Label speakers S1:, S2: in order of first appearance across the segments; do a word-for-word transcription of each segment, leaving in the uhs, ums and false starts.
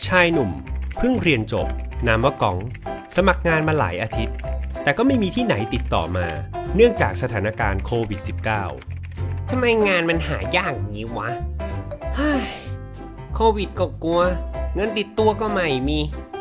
S1: ชายหนุ่มเพิ่งเรียนจบนามว่ากองสมัครงานมาหลายอาทิตย์แต่ก็ไม่มีที่ไหนติดต่อมาเนื่องจากสถานการณ์โควิด สิบเก้า
S2: ทำไมงานมันหายากอย่างนี้วะเฮ้ยโควิดก็กลัวเงินติดตัวก็ไม่มี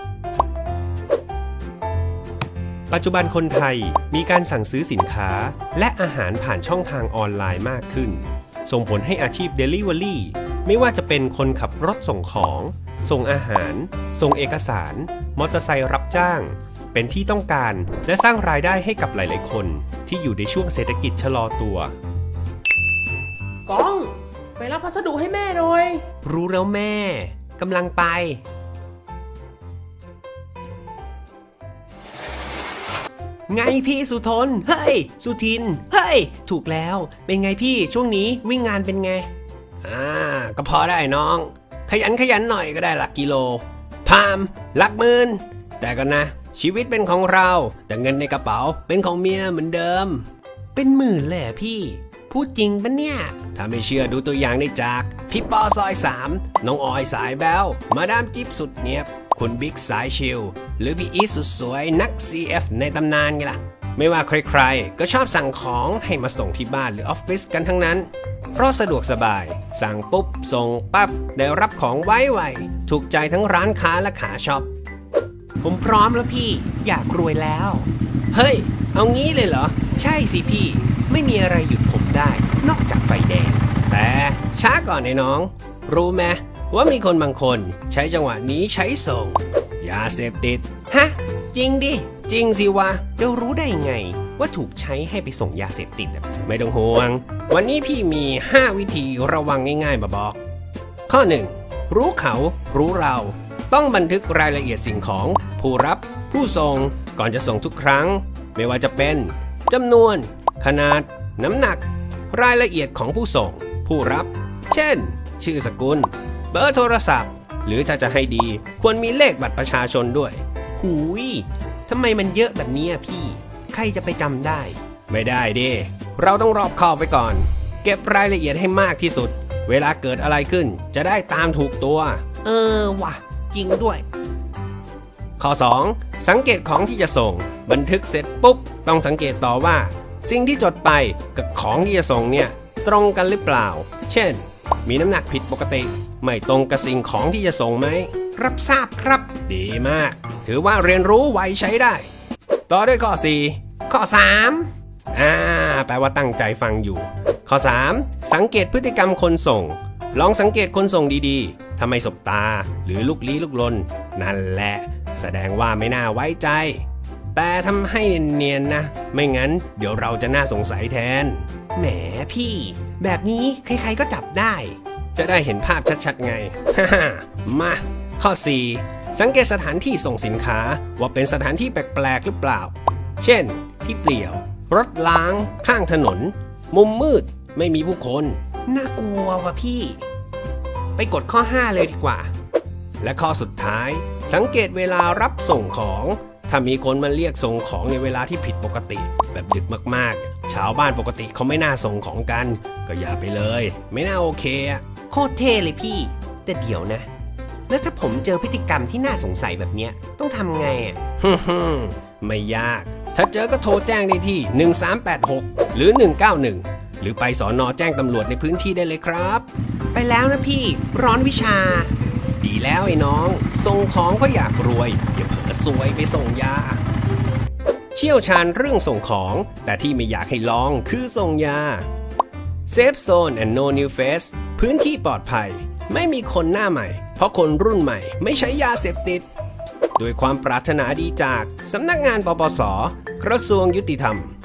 S1: ปัจจุบันคนไทยมีการสั่งซื้อสินค้าและอาหารผ่านช่องทางออนไลน์มากขึ้นส่งผลให้อาชีพ Delivery ไม่ว่าจะเป็นคนขับรถส่งของส่งอาหารส่งเอกสารมอเตอร์ไซค์รับจ้างเป็นที่ต้องการและสร้างรายได้ให้กับหลายๆคนที่อยู่ในช่วงเศรษฐกิจชะลอตัว
S3: ก้องไปรับพัสดุให้แม่หน่อย
S2: รู้แล้วแม่กำลังไปไงพี่สุทนเฮ้ยสุทินเฮ้ยถูกแล้วเป็นไงพี่ช่วงนี้วิ่งงานเป็นไงอ่าก็พอได้น้องขยันขยันหน่อยก็ได้หลักกิโลพามหลักหมื่นแต่ก็นะชีวิตเป็นของเราแต่เงินในกระเป๋าเป็นของเมียเหมือนเดิมเป็นหมื่นเลยพี่พูดจริงปะเนี่ยถ้าไม่เชื่อดูตัวอย่างได้จากพี่ปอซอยสามน้องออยสายแบ๊วมาดามจิ๊บสุดเนียบคุณบิ๊กสายชิลหรือพี่อีทสุดสวยนัก ซี เอฟ ในตำนานไงล่ะไม่ว่าใครๆก็ชอบสั่งของให้มาส่งที่บ้านหรือออฟฟิศกันทั้งนั้นเพราะสะดวกสบายสั่งปุ๊บส่งปั๊บได้รับของไวๆถูกใจทั้งร้านค้าและขาช็อปผมพร้อมแล้วพี่อยากรวยแล้วเฮ้ยเอางี้เลยเหรอใช่สิพี่ไม่มีอะไรหยุดผมได้นอกจากไฟแดงแต่ช้าก่อนไอ้น้องรู้ไหมว่ามีคนบางคนใช้จังหวะนี้ใช้ส่งยาเสพติดฮะจริงดิจริงสิวะจะรู้ได้ไงว่าถูกใช้ให้ไปส่งยาเสพติดไม่ต้องห่วงวันนี้พี่มีห้าวิธีระวังง่ายๆมาบอกข้อหนึ่งรู้เขารู้เราต้องบันทึกรายละเอียดสิ่งของผู้รับผู้ส่งก่อนจะส่งทุกครั้งไม่ว่าจะเป็นจำนวนขนาดน้ำหนักรายละเอียดของผู้ส่งผู้รับเช่นชื่อสกุลเบอร์โทรศัพท์หรือถ้าจะให้ดีควรมีเลขบัตรประชาชนด้วยหูยทำไมมันเยอะแบบนี้พี่ใครจะไปจำได้ไม่ได้ดิเราต้องรอบคอบไปก่อนเก็บรายละเอียดให้มากที่สุดเวลาเกิดอะไรขึ้นจะได้ตามถูกตัวเออว่ะจริงด้วยข้อสองสังเกตของที่จะส่งบันทึกเสร็จปุ๊บต้องสังเกตต่อว่าสิ่งที่จดไปกับของที่จะส่งเนี่ยตรงกันหรือเปล่าเช่นมีน้ำหนักผิดปกติไม่ตรงกับสิ่งของที่จะส่งไหมรับทราบครับดีมากถือว่าเรียนรู้ไวใช้ได้ต่อด้วยข้อสี่ข้อสามอ่าแปลว่าตั้งใจฟังอยู่ข้อสามสังเกตพฤติกรรมคนส่งลองสังเกตคนส่งดีๆทำไมสบตาหรือลุกลี้ลุกลนนั่นแหละแสดงว่าไม่น่าไว้ใจแต่ทำให้เนียนๆนะไม่งั้นเดี๋ยวเราจะน่าสงสัยแทนแหมพี่แบบนี้ใครๆก็จับได้จะได้เห็นภาพชัดๆไง มาข้อสี่สังเกตสถานที่ส่งสินค้าว่าเป็นสถานที่แปลกๆหรือเปล่าเช่นที่เปลี่ยวรถล้างข้างถนนมุมมืดไม่มีผู้คนน่ากลัวว่ะพี่ไปกดข้อห้าเลยดีกว่าและข้อสุดท้ายสังเกตเวลารับส่งของถ้ามีคนมาเรียกส่งของในเวลาที่ผิดปกติแบบดึกมากๆชาวบ้านปกติเขาไม่น่าส่งของกันก็อย่าไปเลยไม่น่าโอเคอะโคตรเท่เลยพี่แต่เดี๋ยวนะแล้วถ้าผมเจอพฤติกรรมที่น่าสงสัยแบบเนี้ยต้องทำไงอ่ะฮึ่มไม่ยากถ้าเจอก็โทรแจ้งได้ที่หนึ่งสามแปดหกหรือหนึ่งเก้าหนึ่งหรือไปสน.แจ้งตำรวจในพื้นที่ได้เลยครับไปแล้วนะพี่ร้อนวิชาดีแล้วไอ้น้องส่งของเพราะอยากรวยอย่าเผลอซวยไปส่งยาเชี่ยวชาญเรื่องส่งของแต่ที่ไม่อยากให้ลองคือส่งยา Safe Zone and No New Face พื้นที่ปลอดภัยไม่มีคนหน้าใหม่เพราะคนรุ่นใหม่ไม่ใช้ยาเสพติดด้วยความปรารถนาดีจากสำนักงานปปส.กระทรวงยุติธรรม